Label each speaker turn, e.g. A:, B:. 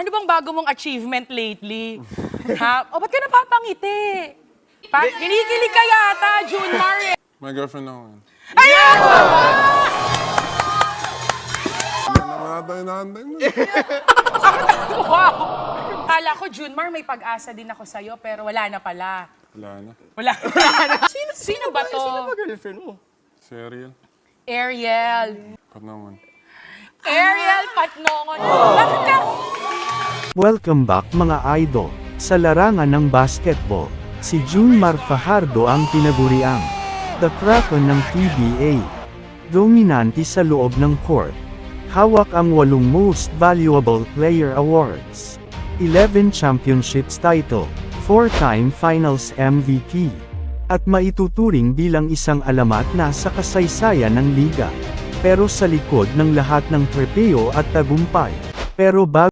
A: Ano bang bago mong achievement lately? Ha? O, ba't ka napapangiti? Kinikilig ka yata, Junmar eh.
B: My girlfriend ako yan.
A: Ayan!
B: Ano naman natin inaantay mo?
A: Wow! Kala ko, Junmar, may pag-asa din ako sa'yo, pero wala na pala.
B: Wala na.
A: Wala na. Sino ba to?
C: Sino ba girlfriend mo?
B: Si Ariel.
A: Ariel.
B: Pat naman.
A: Ariel Patnongon. Bakit ka?
D: Welcome back mga idol. Sa larangan ng basketball, si Junmar Fajardo ang tinaguriang The Kraken ng PBA. Dominante sa loob ng court. Hawak ang 8 Most Valuable Player Awards, 11 championships title, 4-time Finals MVP, at maituturing bilang isang alamat na sa kasaysayan ng liga. Pero sa likod ng lahat ng trepeo at tagumpay, pero bago